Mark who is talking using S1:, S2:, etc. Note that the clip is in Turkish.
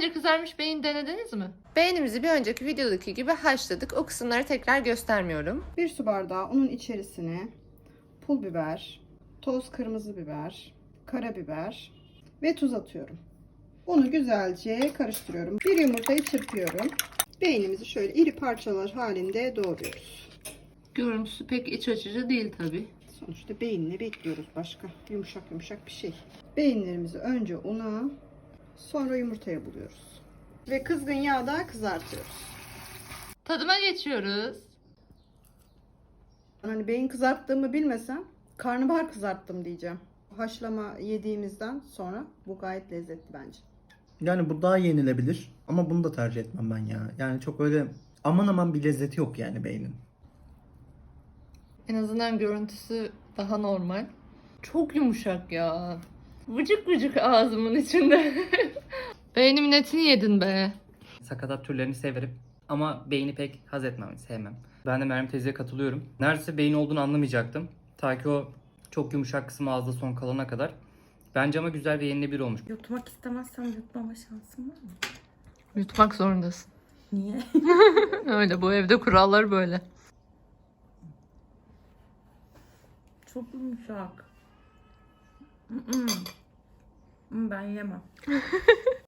S1: önce kızarmış beyin denediniz mi?
S2: Beğenimizi bir önceki videodaki gibi haşladık. O kısımları tekrar göstermiyorum.
S3: 1 su bardağı unun içerisine pul biber, toz kırmızı biber, karabiber ve tuz atıyorum. Unu güzelce karıştırıyorum. Bir yumurtayı çırpıyorum. Beynimizi şöyle iri parçalar halinde doğruyoruz.
S1: Görüntüsü pek iç açıcı değil tabi.
S3: Sonuçta beyinle bekliyoruz başka. Yumuşak yumuşak bir şey. Beyinlerimizi önce una, sonra yumurtaya buluyoruz. Ve kızgın yağda kızartıyoruz.
S1: Tadıma geçiyoruz.
S3: Hani beyin kızarttığımı bilmesem karnabahar kızarttım diyeceğim. Haşlama yediğimizden sonra bu gayet lezzetli bence.
S4: Yani bu daha yenilebilir ama bunu da tercih etmem ben ya. Yani çok öyle aman aman bir lezzeti yok yani beynin.
S1: En azından görüntüsü daha normal. Çok yumuşak ya. Vıcık vıcık ağzımın içinde. Beynimin etini yedin be.
S5: Sakatat türlerini severim ama beyni pek haz etmem, sevmem. Ben de Meryem teyzeye katılıyorum. Neredeyse beyin olduğunu anlamayacaktım. Ta ki o çok yumuşak kısmı ağızda son kalana kadar. Bence ama güzel ve yenilebilir olmuş.
S6: Yutmak istemezsem yutmama şansım var mı?
S1: Yutmak zorundasın.
S6: Niye?
S1: Öyle, bu evde kurallar böyle.
S6: Çok yumuşak. Ben yemem.